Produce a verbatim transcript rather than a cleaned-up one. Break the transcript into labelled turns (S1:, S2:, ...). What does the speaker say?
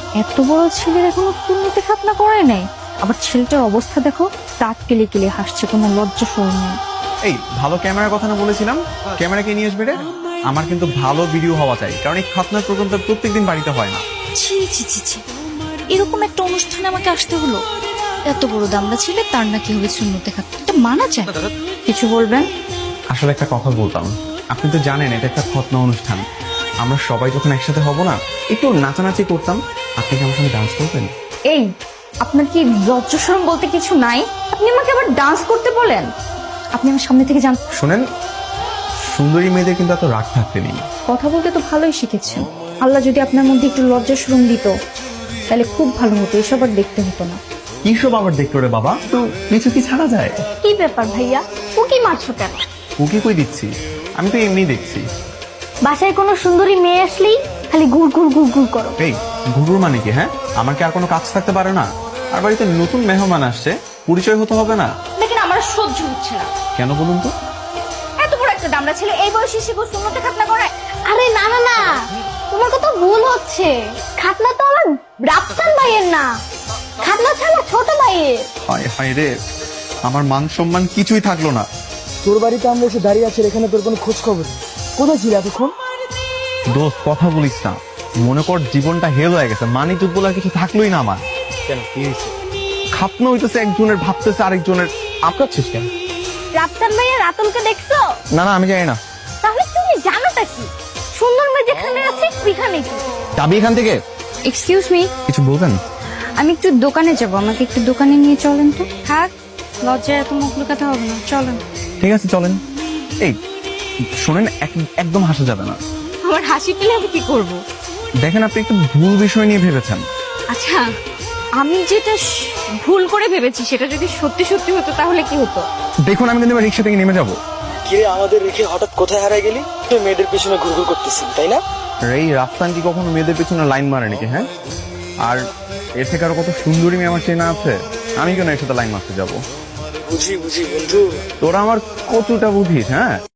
S1: এত বড় ছেলের এখনো পূর্ণতে খাতনা করে নাই, আবার ছেলেটার অবস্থা দেখো, দাঁত কেলে কেলে হাসছে, কোনো লজ্জা শরম নেই।
S2: এই ভালো ক্যামেরার কথা না বলেছিলাম, ক্যামেরা কে নিয়ে আসবে রে? আমার কিন্তু ভালো ভিডিও হওয়া চাই, কারণ এই খাতনার প্রোগ্রামটা প্রত্যেকদিন বাড়িতে হয় না।
S1: ছি ছি ছি ছি, এরকম একটা অনুষ্ঠানে আমাকে আসতে হলো? এত বড় দামড়া ছেলে, তার নাকি হবে শূন্যতে খাতনা, এটা মানা যায়? কিছু বলবেন?
S2: আসলে একটা কথা বলতাম, আপনি তো জানেন এটা একটা খতনা অনুষ্ঠান, আমরা সবাই যখন একসাথে হব না, একটু নাচানাচি করতাম, আপনি কি আমার সঙ্গে ডান্স করবেন?
S1: এই, আপনার কি লজ্জা শরম বলতে কিছু নাই? আপনি আমাকে আবার ডান্স করতে বলেন? আপনি আমার সামনে থেকে যান।
S2: শোনেন, সুন্দরী মেয়েদের কিন্তু এত রাগ থাকতে নেই।
S1: কথা বলতে তো ভালোই শিখেছেন, আল্লাহ যদি আপনার মধ্যে একটু লজ্জা শরম দিত তাহলে খুব ভালো হতো, এসব আর দেখতে হতো না।
S2: কি সব আবার দেখলো রে বাবা, তো কিছু কি ছাড়া যায়?
S1: কি ব্যাপার ভাইয়া, উকি মারছো কেন?
S2: ওকে কই দিচ্ছি, আমি তো এমনি দেখছি।
S1: বাসায় কোনো সুন্দরী মেয়ে আসলেই খালি গুড় গুড় গুড় গুড় করো।
S2: এই গুরুর মানে কি? হ্যাঁ, আমার কি আর কোনো কাজ থাকতে পারে না? আর বাড়িতে নতুন মেহমান আসছে, পরিচয় হতে হবে না?
S1: দেখেন আমার সহ্য হচ্ছে না।
S2: কেন বলুন তো?
S1: এত বড় একটা দামড়া ছেলে এই বয়সে এসে সুন্নতে খাতনা করে?
S3: আরে না না না, তোমার কথা ভুল হচ্ছে। খাতনা তো আমার রাফসান ভাইয়ের না, খাতনা ছাড়া ছোট ভাইয়ের।
S2: হায় হায় রে, আমার মান সম্মান কিছুই থাকলো না।
S4: তোর বাড়িতে আমরা এসে দাঁড়িয়ে আছি, এখানে তোর কোনো খোঁজ খবর নেই। কোথায় ছিল এতক্ষণ?
S2: দোস্ত কথা বলিস না, মনে কর জীবনটা হেল হয়ে গেছে, মানি টুক বলে আর কিছু থাকলোই না আমার।
S4: কেন, কি হয়েছে?
S2: খাতনা হইতেছে একজনের, ভাবতেছে আরেকজনের। আপনারছিস কেন?
S3: রাফসান ভাইয়ের রাতুলকে দেখছো?
S2: না না, আমি জানি না।
S3: তাহলে তুমি জানোটা কি? সুন্দর মেয়ে যেখানে আছে ওইখানে কি?
S2: যাবি এখান থেকে?
S1: এক্সকিউজ মি,
S2: কিছু বলবেন?
S1: আমি একটু দোকানে যাব, আমাকে একটু দোকানে নিয়ে চলেন তো। থাক, লজ্জায় এত মুখ লুকাতে হবে না, চলেন।
S2: ঠিক আছে চলেন। এই শোনেন, এক- একদম হাসা যাবে না।
S1: আমার হাসি পেলে আমি কি করব?
S2: দেখেন, আপনি একটু ভুল বিষয় নিয়ে ভেবেছেন।
S1: আচ্ছা, আমি যেটা স- ভুল করে ভেবেছি সেটা যদি সত্যি সত্যি হতো তাহলে কি হতো?
S2: দেখুন, আমি কিন্তু এবার রিক্সা থেকে নেমে যাবো।
S4: কিরে, আমাদের রেখে হঠাৎ কোথায় হারাই গেলি? তুই মেয়েদের পিছনে ঘুরঘুর করতেছিস, তাই না?
S2: আর এই রাফসান কি কখনো মেয়েদের পিছনে লাইন মারে নাকি? হ্যাঁ, আর এর থেকে আরো কত সুন্দরী মেয়ে আমার চেনা আছে, আমি কেন এর সাথে লাইন মারতে যাবো?
S4: বুঝি বুঝি বন্ধু।
S2: তোরা আমার কতটা বুঝিস? হ্যাঁ।